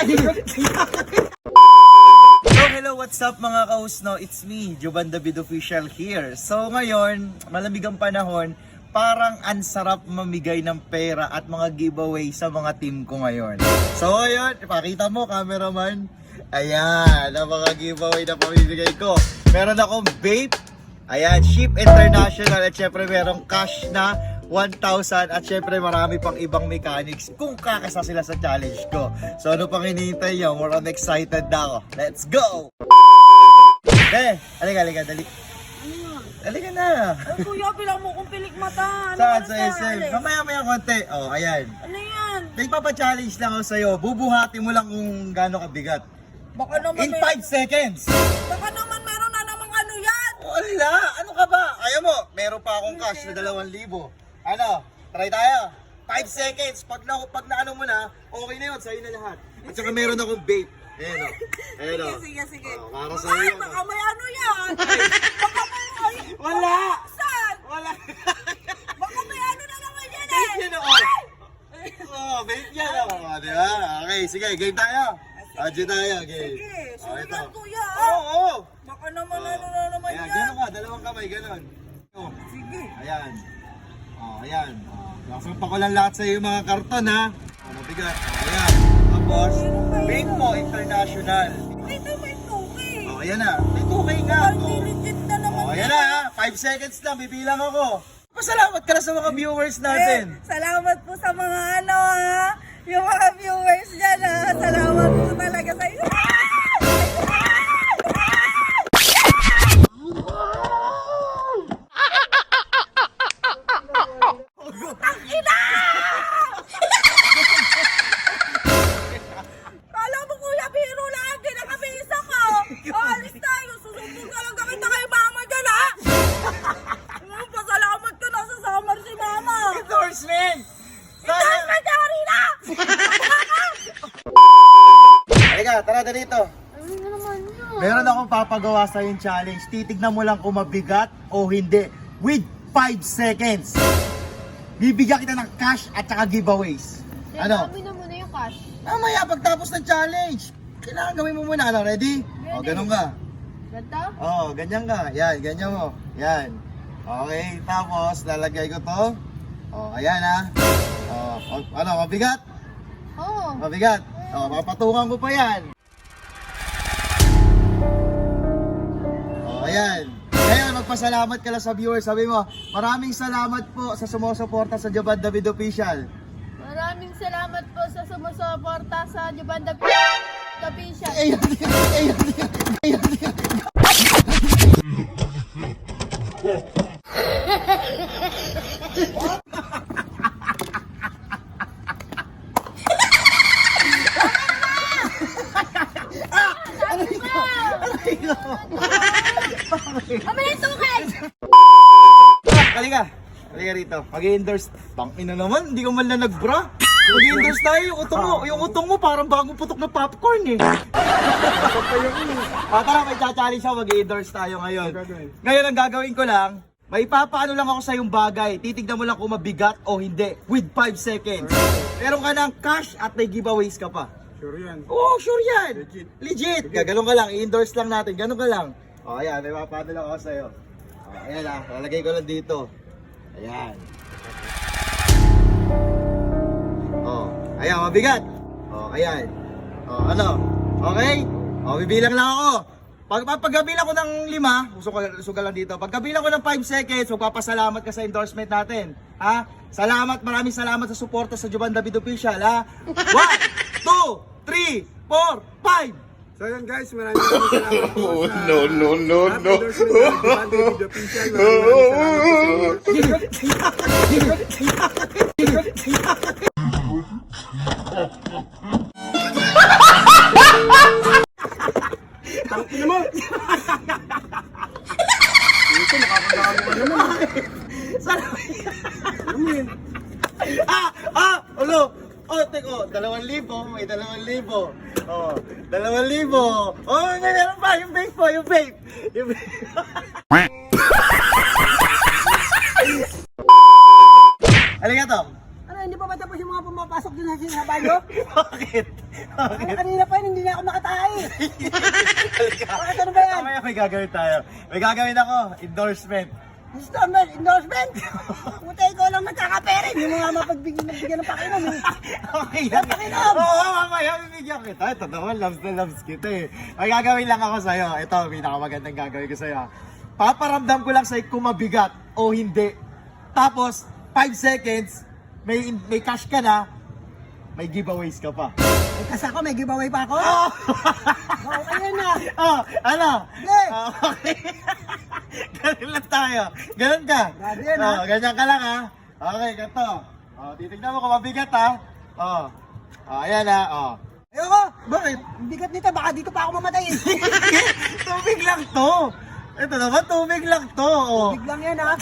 Hello, what's up mga kausno? It's me, Jovan David Official here. So ngayon, malamig ang panahon, parang ansarap mamigay ng pera at mga giveaway sa mga team ko ngayon. So ngayon, ipakita mo cameraman. Ayan, ang mga giveaway na pamimigay ko. Meron akong vape, ayan, Ship International at syempre merong cash na 1,000 at syempre marami pang ibang mechanics kung kakasa sila sa challenge ko. So ano pang hinihintay nyo? More on excited na ako. Let's go! Halika, dali. Halika na. Ay, kuya, bilang mo kong pilik mata. Saan? Sa SM? Mamaya konti. Oh, ayan. Ano yan? Nagpapa-challenge lang ako sa'yo. Bubuhati mo lang kung gaano kabigat. Baka naman In 5 seconds! Baka naman meron na namang ano yan. Wala! Ano ka ba? Ayaw mo? Meron pa akong cash na 2,000. Ano? Try tayo. 5 seconds. Pag na ano mo na, okay na yun. Sa'yo na lahat. At saka meron akong vape. Ayan o. Ayan o. Sige. Oh, para sa'yo Ay, yun. baka may ano yan. Baka may... Wala! Saan? Wala! Baka may ano na naman yan eh. Vape yan o. Oh, vape yan o. Diba? Okay, sige. Game tayo. Adyo tayo. Game. Sige, Oh, ito. sulat kuya. Oo. Baka naman ano na naman Ayan, yan. gano'n ka. Dalawang kamay, gano'n. Oh. Sige. Ayan. Oh, ayan. Nasampa ko lang lahat sa iyo mga karton ha. Oh, mabigat. Ayan. Tapos, vape mo international. Ito may tuki. Oh, ayan na. May 2K nga. Ay, Oh. legit na naman Oh, ayan na ha. 5 seconds lang. Bibilang ako. Pasalamat ka na sa mga viewers natin. Salamat po sa mga ano ha. Yung mga viewers dyan ha. Salamat po talaga sa inyo. Kala mo kuya, biro lang. Hindi na kami isa ka. Alis tayo. Susumbong ka lang kami na kay mama dyan ha. Pasalamat ka na sa summer si mama. Endorsement! Saan ka dyan na? Halika, tara dito. Ano naman yun? Meron akong papagawa sa yung challenge. Titignan mo lang kung mabigat o hindi. With 5 seconds. Bibigyan kita ng cash at saka giveaways. Ano? Dami na muna yung cash. Mamaya pagtapos ng challenge. Kailangan gawin mo muna. Ano, ready? O, ganun ka. Ganda? O, ganyan ka. Yan, ganyan mo. Yan. Okay, tapos lalagay ko to. O, ayan ha. O, ano, mabigat? Oo. Mabigat. O, papatungan ko pa yan. O, ayan. Ngayon, magpasalamat ka lang sa viewers. Sabi mo, maraming salamat po sa sumusuporta sa Jovan David Official. Maraming salamat po sa sumusuporta sa Jovan David Official. Mamaya tukay! Halika. Halika rito. Mag-endorse. Tangina naman, hindi ka man na nag-bra. Mag-endorse tayo. Yung utong mo parang bagong putok na popcorn eh. Tara, may challenge ako. Mag-endorse tayo ngayon. Ngayon ang gagawin ko lang, may papaano lang ako sa yung bagay. Titignan mo lang kung mabigat o hindi. With 5 seconds. Meron ka ng cash at may giveaways ka pa. Sure yan. Oo, sure yan. Legit. Gagalong ka lang. I-endorse lang natin. Ganun ka lang. O, ayan. May papaano lang ako sa'yo. O, ayan lang. Lalagay ko lang dito. Ayan. O, ayan. Mabigat. O, ayan. O, ano? Okay? O, bibilang lang ako. Pagkabilang ko ng 5, sugal lang dito. Pagkabilang ko ng 5 seconds, magpapasalamat ka sa endorsement natin. Ha? Salamat, maraming salamat sa suporta sa Jovan David Official, ha? 1, 2, 3, 4, 5! So yun guys, maraming salamat po sa No. endorsement ng Jovan David Official. Maraming salamat po sa inyo. Tangina mo! Ito, makakagano ka naman. Ano mo yun? Ulo! Oh, teko, 2,000, may 2,000. Oh, 2,000. Oh, meron pa, yung vape po, yung vape. Yung vape. Halika, Tom. Ano, hindi pa ba tapos yung mga pumapasok dun sa sinasabi nyo? Bakit? Bakit? Kanina may gagawin tayo. May gagawin ako, endorsement. Endorsement? Putay ko lang nagkakapere. Hindi mo nga mapagbigyan ng pakinom. Okay lang. Pakinom! Oo, mamaya bibigyan kita. Ito naman, loves na loves kita eh. May gagawin lang ako sa'yo. Ito, pinakamagandang gagawin ko sa'yo. Paparamdam ko lang sa'yo kung mabigat o hindi. Tapos, 5 seconds, may cash ka na, may giveaways ka pa. Kasi ako, may giveaway pa ako. Oh! Okay na. Oh, ano? Hey! Okay. Ganun lang tayo. Ganun ka. Grabe yan, ha? Ganyan ka lang ha. Okay, ganito. Oh, titignan mo kung mabigat ha. Oh. Oh, ayan ha. Oh. Ayoko. Bakit? Ang bigat nito, baka dito pa ako mamatay. Tubig lang to. Ito naman, tubig lang to. Oh. Biglang yan, ha?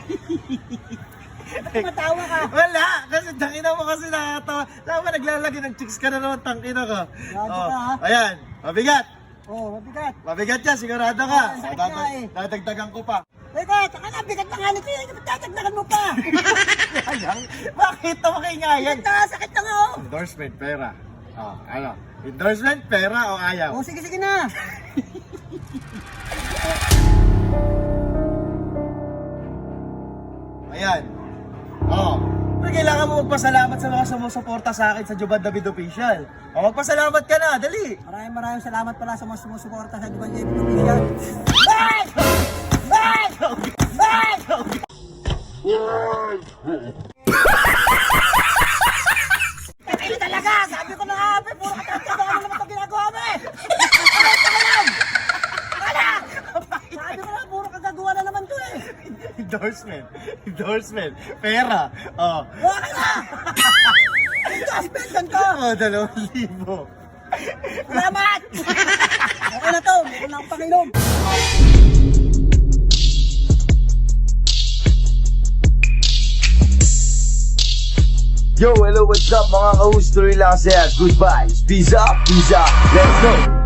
Ba't matawa ka? Wala, kasi tangina mo kasi nakakatawa. Tama, naglalagay ng chicks ka na naman, tangina ka. Grabe ka, ha? Ayan, mabigat. Oo, mabigat. Mabigat yan, sigurado ka. Ah, sakit nga eh. Dadagdagan ko pa. Teka, taka na, bigat na nga nito yun. Tatagdagan mo pa. Ayan, bakit ito makingayan? Sakit na, sakit na nga, oh. Endorsement, pera. Oh, ano? Endorsement, pera o ayaw? Oh, sige, sige na. Ayan. Oh. Pero kailangan mo magpasalamat sa mga sumusuporta sa akin sa Juban David Official. Oh, magpasalamat ka na, dali. Maraming salamat pala sa mga sumusuporta sa Juban David Official. Bye! Bye! Bye! Kaya talaga, sabi ko na nga, Ape, puro katatawa ka naman itong ginagawa mo eh. Sabi ko na, puro kagagawa na naman to eh. Endorsement. Endorsement. Pera. Oh. Okay na! Endorsement, ganito! Oh, 2,000. Salamat! Okay na to, meron na akong panginom. Yo, hello, what's up mga ka-host? Tuloy lang saya. Goodbye. Peace up, let's go.